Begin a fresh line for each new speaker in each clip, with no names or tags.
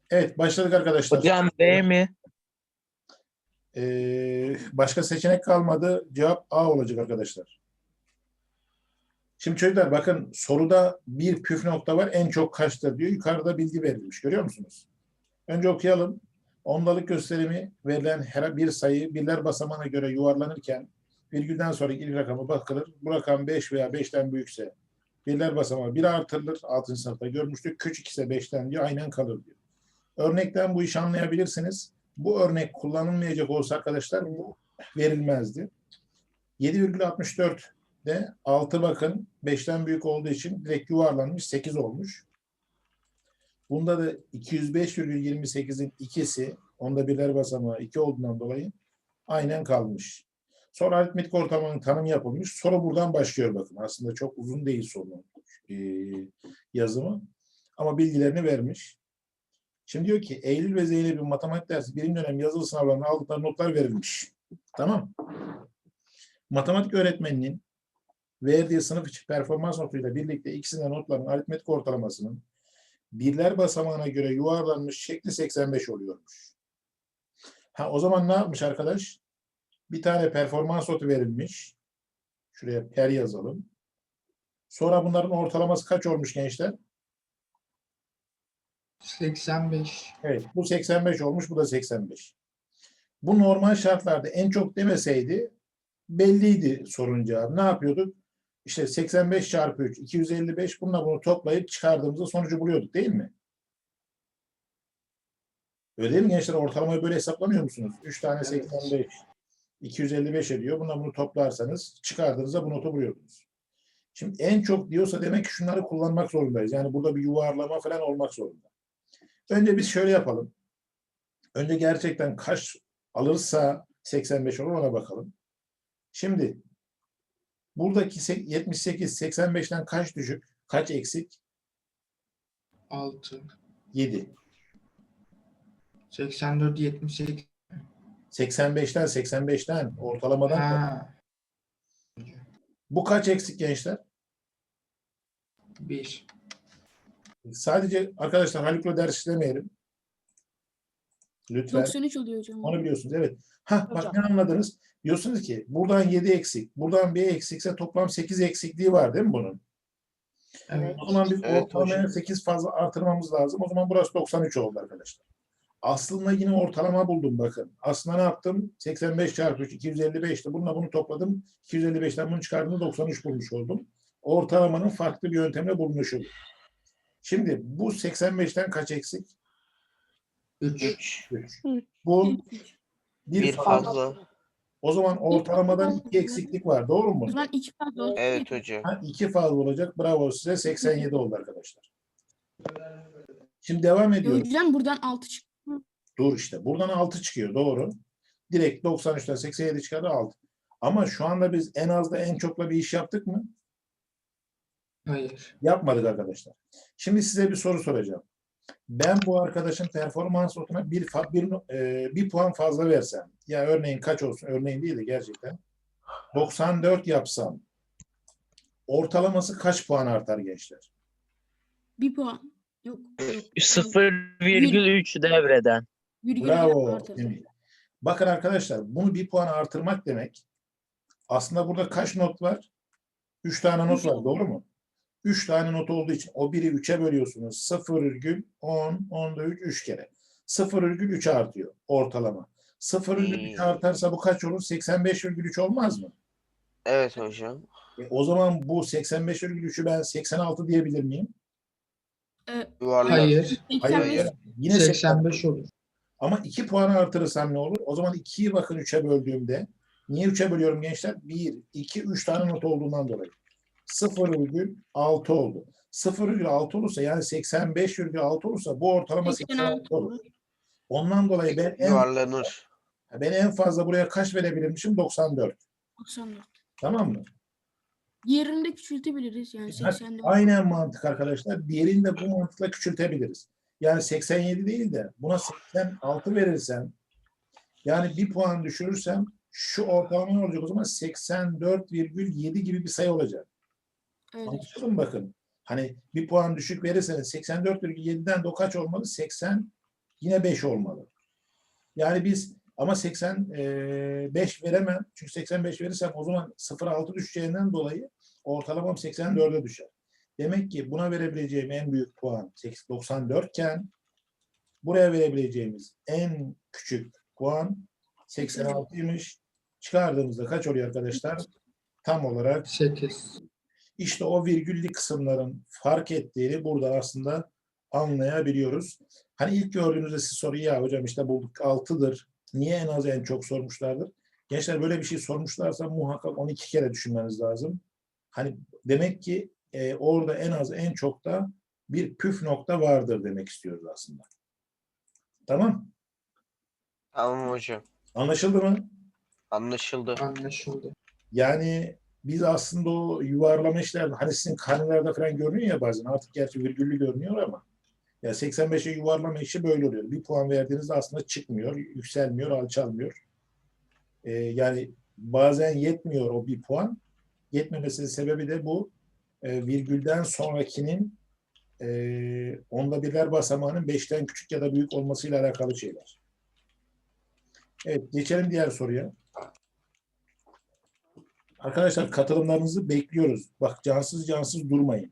Evet, başladık arkadaşlar.
Hocam B mi?
Başka seçenek kalmadı. Cevap A olacak arkadaşlar. Şimdi çocuklar bakın soruda bir püf nokta var. En çok kaçtır diyor. Yukarıda bilgi verilmiş. Görüyor musunuz? Önce okuyalım. Ondalık gösterimi verilen her bir sayı birler basamağına göre yuvarlanırken virgülden sonraki ilk rakama bakılır. Bu rakam 5 veya 5'ten büyükse birler basamağı 1 artırılır. 6. sınıfta görmüştük. Küçük ise 5'ten diyor. Aynen kalır diyor. Örnekten bu işi anlayabilirsiniz. Bu örnek kullanılmayacak olsa arkadaşlar bu verilmezdi. 7,64'de 6 bakın 5'ten büyük olduğu için direkt yuvarlanmış 8 olmuş. Bunda da 205,28'in ikisi onda birler basamağı 2 olduğundan dolayı aynen kalmış. Sonra aritmetik ortalamanın tanımı yapılmış. Soru buradan başlıyor bakın. Aslında çok uzun değil sorunun yazımı. Ama bilgilerini vermiş. Şimdi diyor ki Eylül ve Zeynep'in matematik dersi birinci dönem yazılı sınavlarına aldıkları notlar verilmiş. Tamam. Matematik öğretmeninin verdiği sınıf içi performans notuyla birlikte ikisinden notların aritmetik ortalamasının birler basamağına göre yuvarlanmış şekli 85 oluyormuş. O zaman ne yapmış arkadaş? Bir tane performans notu verilmiş. Şuraya per yazalım. Sonra bunların ortalaması kaç olmuş gençler?
85.
Evet, bu 85 olmuş, bu da 85. Bu normal şartlarda en çok demeseydi belliydi sorunun cevabı. Ne yapıyorduk? İşte 85 çarpı 3, 255. Bununla bunu toplayıp çıkardığımızda sonucu buluyorduk değil mi? Öyle değil mi gençler? Ortalamayı böyle hesaplamıyor musunuz? 3 tane 85, 255 ediyor. Bununla bunu toplarsanız çıkardığınızda bu notu buluyordunuz. Şimdi en çok diyorsa demek ki şunları kullanmak zorundayız. Yani burada bir yuvarlama falan olmak zorunda. Önce biz şöyle yapalım. Önce gerçekten kaç alırsa 85 olur ona bakalım. Şimdi buradaki 78, 85'ten kaç düşük? Kaç eksik?
6.
7.
84, 78.
85'ten ortalamadan.
Ha.
Bu kaç eksik gençler?
1.
Sadece arkadaşlar Haluk'la ders işlemeyelim. Lütfen.
93 oluyor hocam.
Onu biliyorsunuz. Evet. Bak
Hocam.
ne anladınız? Diyorsunuz ki buradan 7 eksik, buradan 1 eksikse toplam 8 eksikliği var değil mi bunun?
Evet.
O zaman biz
Evet
ortalamaya
hocam.
8 fazla artırmamız lazım. O zaman burası 93 oldu arkadaşlar. Aslında yine ortalama buldum bakın. Aslında ne yaptım? 85 çarpı 3, 255'ti. Bununla bunu topladım. 255'ten bunu çıkardığımda 93 bulmuş oldum. Ortalamanın farklı bir yöntemle bulunuşu. Şimdi bu 85'ten kaç eksik?
3.
3. Bu
Bir fazla.
O zaman ortalamadan 2 eksiklik var. Doğru mu?
O zaman 2 fazla oldu.
Evet hocam.
2 fazla olacak. Bravo size. 87 oldu arkadaşlar. Şimdi devam ediyoruz.
Hocam buradan 6 çıktı.
Dur işte. Buradan 6 çıkıyor. Doğru. Direkt 93'ten 87 çıkardı 6. Ama şu anda biz en azda en çokla bir iş yaptık mı?
Hayır.
Yapmadık arkadaşlar. Şimdi size bir soru soracağım. Ben bu arkadaşın performans notuna bir puan fazla versem, ya örneğin kaç olsun, örneğin değil de gerçekten 94 yapsam, ortalaması kaç puan artar gençler?
1 puan. Yok.
0,3 devreden.
Virgül
Bravo.
artırdı.
Emil. Bakın arkadaşlar, bunu bir puan artırmak demek, aslında burada kaç not var? 3 tane not var, doğru mu? 3 tane not olduğu için o biri 3'e bölüyorsunuz. 0,10, 10'da 3, 3 kere. 0,3 artıyor ortalama. 0,3 artarsa bu kaç olur? 85,3 olmaz mı?
Evet hocam.
O zaman bu 85,3'ü ben 86 diyebilir miyim?
Yuvarlak.
Hayır.
Hayır. Yine
85 olur.
Ama 2 puanı artırırsam ne olur? O zaman 2'yi bakın 3'e böldüğümde. Niye 3'e bölüyorum gençler? 1, 2, 3 tane not olduğundan dolayı. 0,6 oldu. 0,6 olursa yani 85,6 olursa bu ortalama 86 olur. Ondan dolayı
Yuvarlanır.
ben en fazla buraya kaç verebilirmişim? 94.
94.
Tamam mı?
Diğerini de küçültebiliriz. Yani 84.
Aynen mantık arkadaşlar. Diğerini de bu mantıkla küçültebiliriz. Yani 87 değil de buna 86 verirsem, yani bir puan düşürürsem şu ortalama ne olacak o zaman? 84,7 gibi bir sayı olacak.
Evet.
Anlaşıldı mı bakın? Hani bir puan düşük verirseniz 84,7'den de o kaç olmalı? 80 Yine 5 olmalı. Yani biz ama 85 veremem. Çünkü 85 verirsem o zaman 0,6 düşeceğinden dolayı ortalamam 84'e düşer. Demek ki buna verebileceğim en büyük puan 94 iken buraya verebileceğimiz en küçük puan 86'ymış. Çıkardığımızda kaç oluyor arkadaşlar? Tam olarak
8.
işte o virgüllü kısımların fark ettiğini burada aslında anlayabiliyoruz. Hani ilk gördüğünüzde siz soruyu ya hocam işte bulduk 6'dır. Niye en az en çok sormuşlardır? Gençler böyle bir şey sormuşlarsa muhakkak 12 kere düşünmeniz lazım. Hani demek ki orada en az en çok da bir püf nokta vardır demek istiyoruz aslında. Tamam.
Tamam hocam.
Anlaşıldı mı?
Anlaşıldı.
Anlaşıldı.
Yani biz aslında o yuvarlama işlerde hani sizin karnelerde falan görünüyor ya bazen artık gerçi virgüllü görünüyor ama ya 85'e yuvarlama işi böyle oluyor. Bir puan verdiğinizde aslında çıkmıyor, yükselmiyor, alçalmıyor. Yani bazen yetmiyor o bir puan. Yetmemesinin sebebi de bu virgülden sonrakinin onda birler basamağının 5'ten küçük ya da büyük olmasıyla alakalı şeyler. Evet, geçelim diğer soruya. Arkadaşlar katılımlarınızı bekliyoruz. Bak cansız durmayın.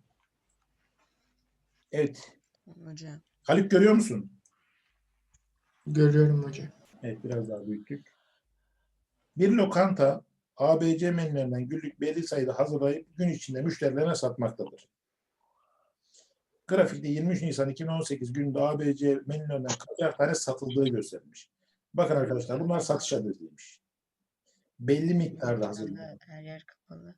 Evet.
Hocam.
Haluk görüyor musun?
Görüyorum hocam.
Evet, biraz daha büyüttük. Bir lokanta ABC menülerinden günlük belli sayıda hazırlayıp gün içinde müşterilerine satmaktadır. Grafikte 23 Nisan 2018 gününde ABC menülerinden kaçar tane satıldığı gösterilmiş. Bakın arkadaşlar bunlar satış adresiymiş. Belli miktarda hazırlanıyor.
Her yer kapalı.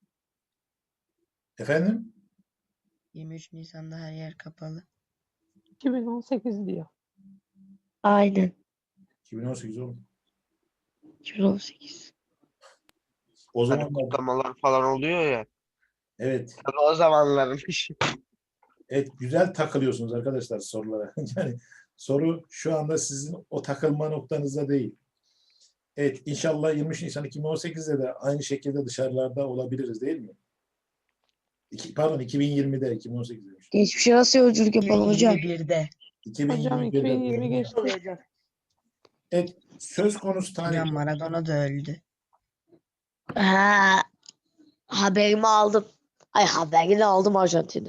Efendim?
23 Nisan'da her yer kapalı.
2018 diyor.
Aynen.
2018 oldu.
2018.
O
Hani
zaman
kutlamalar falan oluyor ya.
evet.
Tabii o zamanlarmış.
Evet, güzel takılıyorsunuz arkadaşlar sorulara. Yani soru şu anda sizin o takılma noktanızda değil. Evet, inşallah 23 Nisan 2018'de de aynı şekilde dışarılarda olabiliriz değil mi? Pardon, 2020'de, 2018 demiş.
Geçmişe nasıl yolculuk yapalım hocam?
2021'de.
Hocam
2021'de.
2020 geçti.
Evet, söz konusu tarih.
Hocam Maradona da öldü.
Ha, haberimi aldım. Ay haberini aldım Arjantin'de.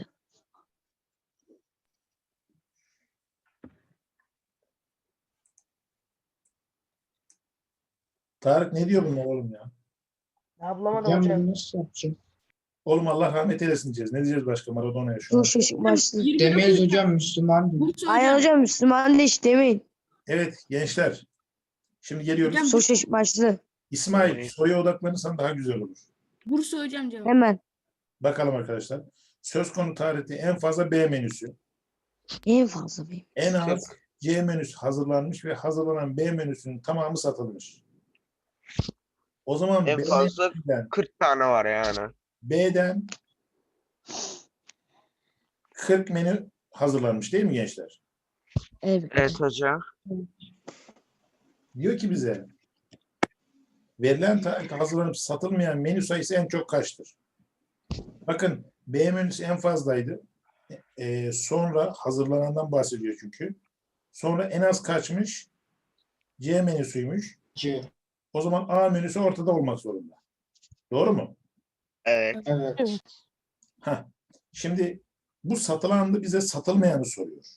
Tarık ne diyor bunlar oğlum ya?
Hocam bunu nasıl yapacağım?
Oğlum Allah rahmet eylesin diyeceğiz. Ne diyeceğiz başka Maradona'ya şu an?
Dur şaşık başlı.
29
Demeyiz hocam Müslüman değil.
Bursa
Aynen
hocam.
hocam Müslüman da hiç demeyin.
Evet gençler. Şimdi geliyoruz.
Hocam,
Dur şaşık başlı.
İsmail soruya odaklanırsan daha güzel olur.
Bursa hocam cevap.
Hemen.
Bakalım arkadaşlar. Söz konu tarihte en fazla B menüsü,
En fazla benim.
en az C menüsü hazırlanmış ve hazırlanan B menüsünün tamamı satılmış. O zaman
En fazla 40 tane var yani.
B'den 40 menü hazırlanmış değil mi gençler?
Evet.
Evet hocam.
Diyor ki bize verilen tarihte hazırlanıp satılmayan menü sayısı en çok kaçtır? Bakın B menüsü en fazlaydı. Sonra hazırlanandan bahsediyor çünkü. Sonra en az kaçmış? C menüsüymüş.
C.
O zaman A menüsü ortada olmak zorunda. Doğru mu?
Evet.
Evet.
Evet.
Heh. Şimdi bu satılandı bize satılmayanı soruyor.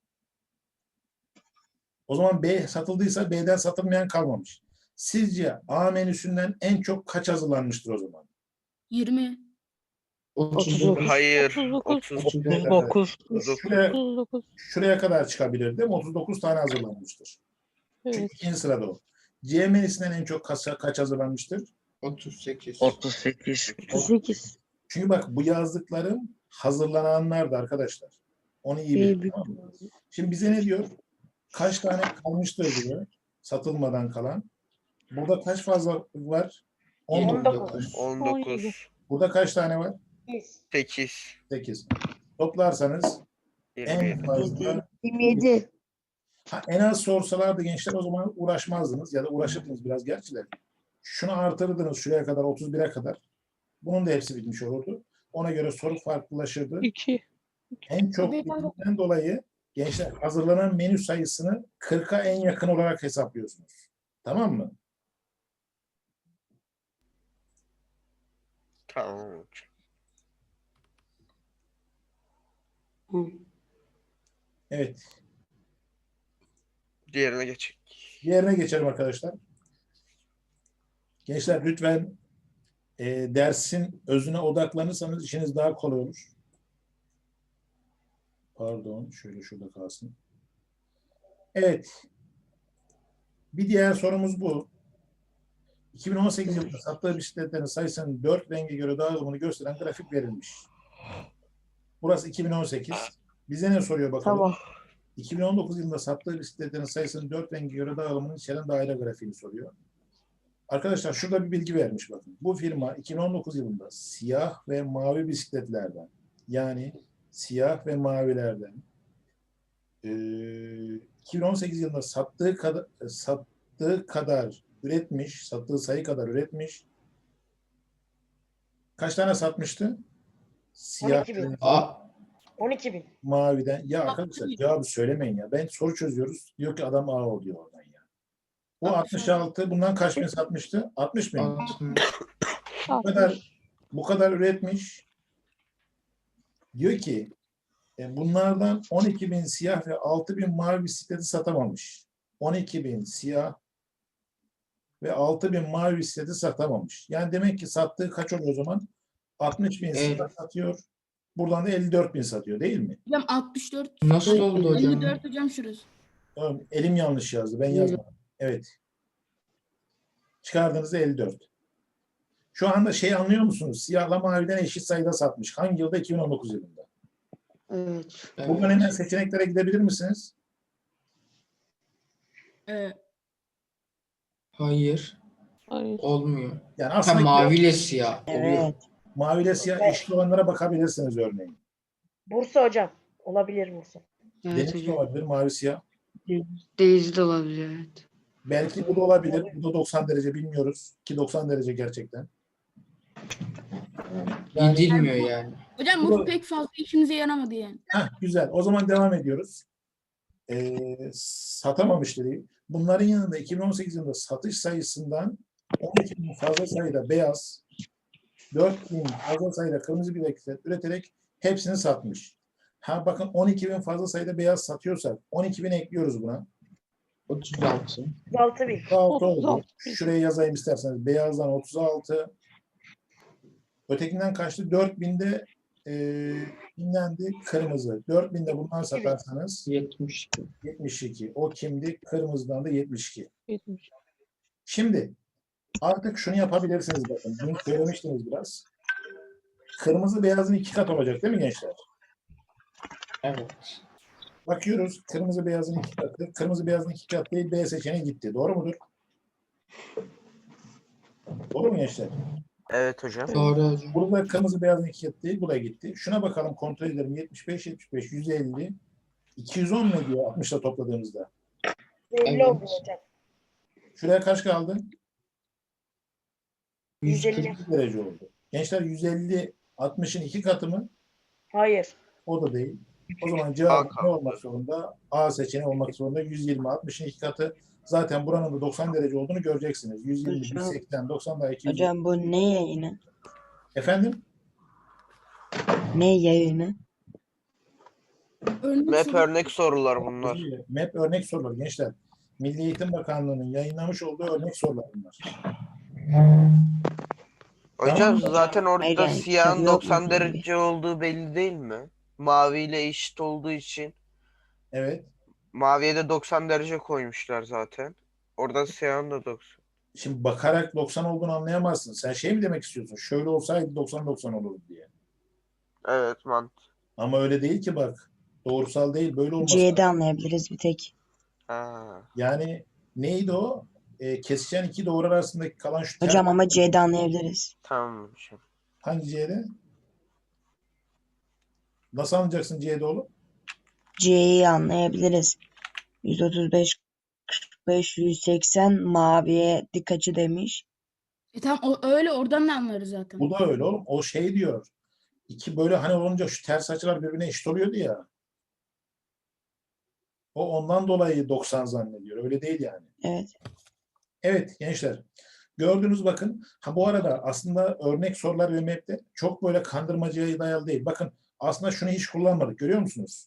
O zaman B satıldıysa B'den satılmayan kalmamış. Sizce A menüsünden en çok kaç hazırlanmıştır o zaman?
20.
39.
Hayır.
39.
39.
39.
Şuraya,
39.
şuraya kadar çıkabilir değil mi? 39 tane hazırlanmıştır. Çünkü
Evet.
ikinci sırada o. C menüsünden en çok kaç hazırlanmıştır?
38.
38.
38.
Çünkü bak bu yazdıklarım hazırlananlardı arkadaşlar. Onu iyi bilin.
Büyük.
Tamam mı? Şimdi bize ne diyor? Kaç tane kalmıştır diyor. Satılmadan kalan. Burada kaç fazla var?
19.
19.
Burada kaç tane var?
8.
8. Toplarsanız en
27.
fazla
27.
en az sorsalardı gençler o zaman uğraşmazdınız ya da uğraşırdınız biraz gerçi de. Şunu artırdınız şuraya kadar 31'e kadar. Bunun da hepsi bitmiş olurdu. Ona göre soru farklılaşırdı.
2.
En çok bildiğinden dolayı Gençler hazırlanan menü sayısını 40'a en yakın olarak hesaplıyorsunuz. Tamam mı?
Tamam hocam.
Hı.
Evet.
Diğerine geçelim.
Diğerine geçelim arkadaşlar. Gençler lütfen dersin özüne odaklanırsanız işiniz daha kolay olur. Pardon, şöyle şurada kalsın. Evet. Bir diğer sorumuz bu. 2018 yılında sattığı bisikletlerin sayısının 4 renge göre dağılımını gösteren grafik verilmiş. Burası 2018. Bize ne soruyor bakalım?
Tamam.
2019 yılında sattığı bisikletlerin sayısının 4 renge göre dağılımını içeren daire grafiğini soruyor. Arkadaşlar şurada bir bilgi vermiş bakın. Bu firma 2019 yılında siyah ve mavi bisikletlerden, yani siyah ve mavilerden 2018 yılında sattığı kadar üretmiş, sattığı sayı kadar üretmiş. Kaç tane satmıştı? Siyah
12.000.
ve
12.000.
maviden. Ya arkadaşlar cevabı söylemeyin ya. Ben soru çözüyoruz. Diyor ki adam A oluyor oradan ya. Bu 66. Bundan kaç bin satmıştı? 60 bin. Bu kadar üretmiş. Diyor ki bunlardan 12.000 siyah ve 6.000 mavi bisikleti satamamış. 12.000 siyah ve 6.000 mavi bisikleti satamamış. Yani demek ki sattığı kaç oluyor o zaman? 60.000 siyah satıyor. Buradan da 54.000 satıyor değil mi?
Hocam 64.
Nasıl oldu hocam?
54 hocam şurası.
Tamam, elim yanlış yazdı. Ben yazmadım. Evet. Çıkardığınızda 54. Şu anda şey anlıyor musunuz? Siyahla maviden eşit sayıda satmış. Hangi yılda? 2019 yılında.
Evet.
Buradan hemen seçeneklere gidebilir misiniz?
Hayır.
Hayır.
Olmuyor.
Yani
Ha,
aslında
maviyle siyah oluyor.
Evet.
maviyle siyah eşit olanlara bakabilirsiniz örneğin.
Bursa hocam. Olabilir Bursa.
Evet
Deniz de
hocam.
olabilir, mavi siyah.
Değiz de olabilir, evet.
Belki bu da olabilir. Bu da 90 derece bilmiyoruz. Ki 90 derece gerçekten.
Gidilmiyor yani.
Hocam
Bu
bu
da-
pek fazla işimize yaramadı yani.
Güzel. O zaman devam ediyoruz. Satamamış dedi. Bunların yanında 2018 yılında satış sayısından 12.000 fazla sayıda beyaz, 4.000 fazla sayıda kırmızı bisiklet üreterek hepsini satmış. Ha bakın 12.000 fazla sayıda beyaz satıyorsak 12.000 ekliyoruz buna.
36.
36.000.
36 oldu.
36.
Şuraya yazayım isterseniz. Beyazdan 36. Ötekinden kaçtı? 4.000'de dinlendi kırmızı. 4.000'de bundan satarsanız
72.
72. O kimdi? Kırmızıdan da 72.
70.
Şimdi artık şunu yapabilirsiniz bakın. Bunu söylemiştiniz biraz. Kırmızı beyazın 2 kat olacak değil mi gençler?
Evet.
Bakıyoruz. Kırmızı beyazın 2 katı. Kırmızı beyazın 2 katı değil. B seçeneği gitti. Doğru mudur? Doğru mu gençler?
Evet hocam.
Doğru hocam.
Burada kırmızı beyazın 2 katı değil. Bu da gitti. Şuna bakalım kontrol edelim. 75, 75, 150. 210 ne diyor 60'la topladığımızda?
50
Evet.
oldu hocam.
Şuraya kaç kaldı?
150.
140 derece oldu. Gençler 150 60'ın 2 katı mı?
Hayır.
O da değil. O zaman cevap
A
ne olmak zorunda? A seçeneği olmak zorunda. 120 60'ın 2 katı. Zaten buranın da 90 derece olduğunu göreceksiniz. 120,
Hocam.
180, 90 daha 200.
Hocam bu ne yayını?
Efendim?
Ne yayını?
Örnek
Map
soru.
örnek sorular bunlar.
MEP örnek sorular gençler. Milli Eğitim Bakanlığı'nın yayınlamış olduğu örnek sorular bunlar.
Hocam
Tamam.
zaten
Hayır,
orada
yani
siyahın
kitabı yok mu
90
böyle?
derece olduğu belli değil mi? Maviyle eşit olduğu için
Evet.
maviye de 90 derece koymuşlar zaten. Orada siyahın da 90.
Şimdi bakarak 90 olduğunu anlayamazsın. Sen şey mi demek istiyorsun? Şöyle olsaydı 90-90 olurdu diye.
Evet
Ama öyle değil ki bak. Doğrusal değil. Böyle olması
C'de
lazım.
anlayabiliriz bir tek.
Ha.
Yani neydi o? Kesişen iki doğru arasındaki kalan şu
Hocam ama C'de anlayabiliriz.
Tamam hocam.
hangi C'de? Nasıl anlayacaksın C'de oğlum?
C'yi anlayabiliriz. 135, 45, 180 maviye dik açı demiş.
Tamam öyle oradan da anlarız zaten.
Bu da öyle oğlum. O şey diyor. İki böyle hani olunca şu ters açılar birbirine eşit oluyordu ya. O ondan dolayı 90 zannediyor. Öyle değil yani.
Evet.
Evet gençler. Gördünüz bakın. Ha bu arada aslında örnek sorular ve map'te çok böyle kandırmacaya dayalı değil. Bakın aslında şunu hiç kullanmadık. Görüyor musunuz?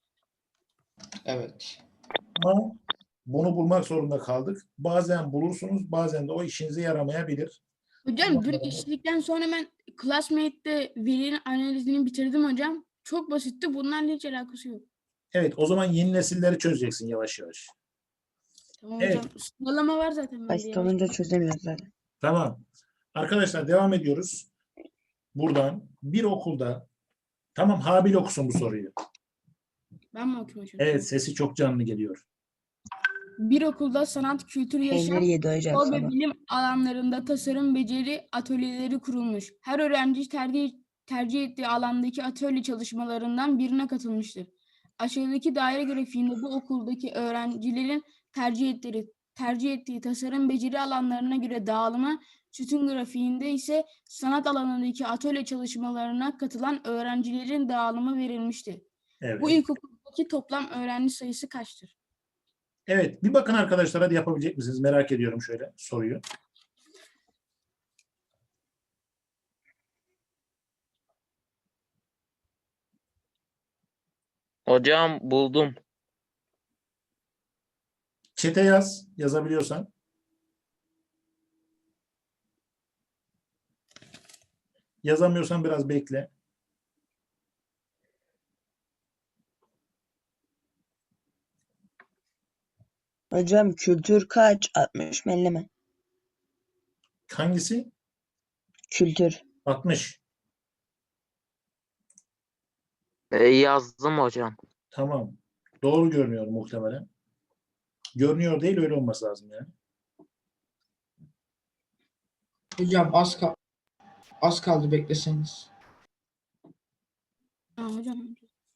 Evet.
Ama bunu bulmak zorunda kaldık. Bazen bulursunuz, bazen de o işinize yaramayabilir.
Hocam bir işledikten sonra ben Classmate'de verinin analizini bitirdim hocam. Çok basitti. Bunlarla hiç alakası yok.
Evet, o zaman yeni nesilleri çözeceksin yavaş yavaş.
Tamam
Evet.
hocam. Sıralama var zaten bende.
Basit
yavaş.
olunca çözemiyoruz zaten.
Tamam. Arkadaşlar devam ediyoruz. Buradan bir okulda tamam Habil okusun bu soruyu.
Ben mi okuyayım hocam?
Evet, sesi çok canlı geliyor.
Bir okulda sanat, kültür, yaşam,
Peynir yedi hocam
spor ve
sabah.
bilim alanlarında tasarım, beceri atölyeleri kurulmuş. Her öğrenci tercih ettiği alandaki atölye çalışmalarından birine katılmıştır. Aşağıdaki daire grafiğinde bu okuldaki öğrencilerin tercih ettiği tasarım, beceri alanlarına göre dağılımı, sütun grafiğinde ise sanat alanındaki atölye çalışmalarına katılan öğrencilerin dağılımı verilmiştir.
Evet.
Bu ilkokuldaki toplam öğrenci sayısı kaçtır?
Evet, bir bakın arkadaşlar hadi yapabilecek misiniz? Merak ediyorum şöyle soruyu.
Hocam buldum.
Çete yaz, yazabiliyorsan. Yazamıyorsan biraz bekle.
Hocam kültür kaç? 60 mı 50 mi?
Hangisi?
Kültür.
60.
Yazdım hocam.
Tamam. Doğru görünüyor muhtemelen. Görünüyor değil, öyle olması lazım yani.
Hocam az kaldı bekleseniz.
Ha, hocam.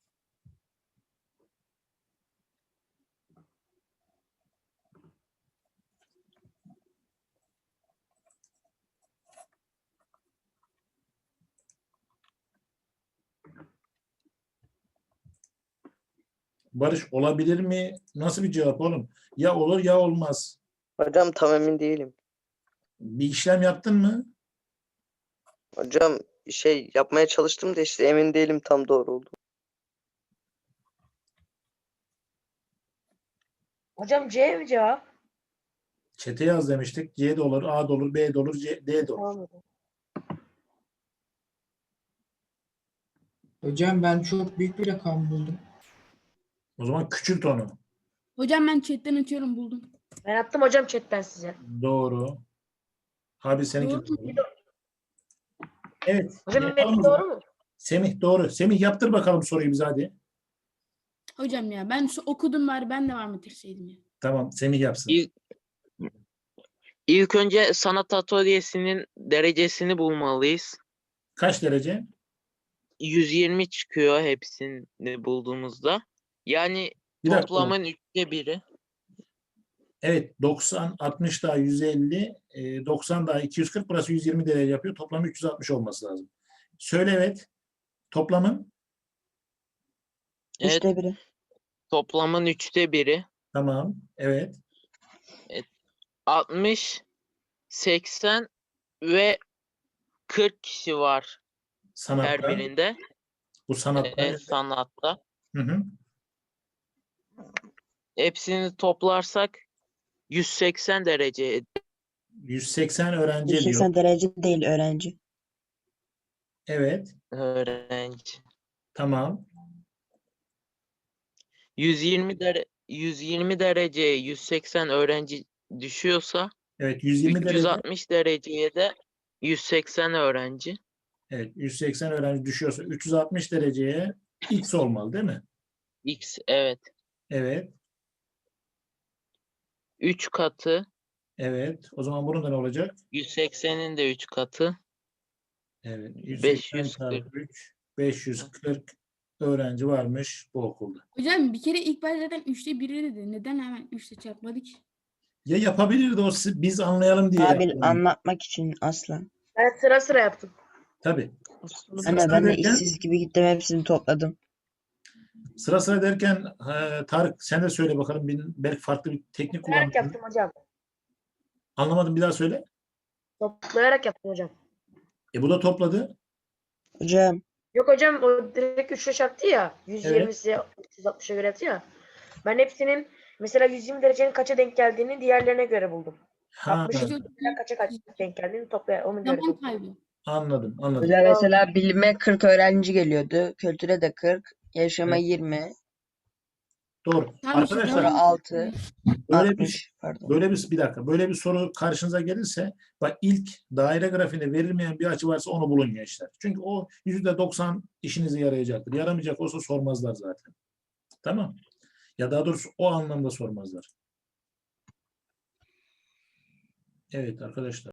Barış olabilir mi? Nasıl bir cevap oğlum? Ya olur ya olmaz.
Hocam tam emin değilim.
Bir işlem yaptın mı?
Hocam yapmaya çalıştım da işte emin değilim tam doğru oldu.
Hocam C mi cevap?
Çete yaz demiştik. C de olur, A da olur, B de olur, D de olur.
Tamam hocam.
Hocam ben çok büyük bir rakam buldum.
O zaman küçült onu.
Hocam ben chatten atıyorum buldum.
Ben attım hocam chatten size.
Doğru. Abi seninki
Doğru.
doğru. Evet.
Hocam
yapalım
benim
o zaman.
doğru mu?
Semih doğru. Semih yaptır bakalım soruyu bize hadi.
Hocam ya ben okudum bari ben devam ettirseydim ya.
Tamam, Semih yapsın.
İlk önce sanat atölyesinin derecesini bulmalıyız.
Kaç derece?
120 çıkıyor hepsini bulduğumuzda. Yani
Bir dakika.
toplamın 1/3.
Evet, 90, 60 daha 150, 90 daha 240, burası 120 derece yapıyor. Toplam 360 olması lazım. Söyle evet. Toplamın?
Evet,
3'te biri.
toplamın 1/3.
Tamam. Evet.
60, 80 ve 40 kişi var her
Sanatta.
birinde.
Bu sanatta.
Sanatta.
Hı hı.
Hepsini toplarsak 180 derece
180 öğrenci diyor.
180 derece değil öğrenci.
Evet.
öğrenci.
Tamam.
120 dereceye 180 öğrenci düşüyorsa
Evet, 120 derece.
360 dereceye de 180 öğrenci.
Evet, 180 öğrenci düşüyorsa 360 dereceye x olmalı değil mi?
X evet.
Evet.
3 katı.
Evet. O zaman bunun da ne olacak?
180'in de 3 katı.
Evet. 180
540.
çarpı 3. 540 öğrenci varmış bu okulda.
Hocam bir kere ilk başta zaten 3'te 1'i dedi. Neden hemen 3'te çarpmadık?
Ya yapabilirdi o biz anlayalım diye.
Habil
yaptı.
anlatmak için asla.
Ben sıra sıra yaptım.
Tabii.
Ama ben de
derken
işsiz gibi gittim hepsini topladım.
Sıra sıra derken Tarık sen de söyle bakalım. Belki farklı bir teknik
Toplayarak
kullandın.
yaptım hocam.
Anlamadım, bir daha söyle.
Toplayarak yaptım hocam.
Bu da topladı.
Hocam
Yok hocam o direkt 3'e çarptı ya. 120'si 360'a göre yaptı ya. Ben hepsinin mesela 120 derecenin kaça denk geldiğini diğerlerine göre buldum.
Ha,
60 kaça denk geldiğini ona göre
Zaman
buldum.
kaybı.
anladım.
hocam mesela bilime 40 öğrenci geliyordu. Kültüre de 40. Yaşama
Evet.
20.
Doğru.
Tamam işte,
Arkadaşlar
Sonra 6.
böyle
60. Pardon.
bir dakika. Böyle bir soru karşınıza gelirse bak, ilk daire grafiğinde verilmeyen bir açı varsa onu bulun gençler. Çünkü o %90 işinize yarayacaktır. Yaramayacak olsa sormazlar zaten. Tamam. Ya daha doğrusu o anlamda sormazlar. Evet arkadaşlar.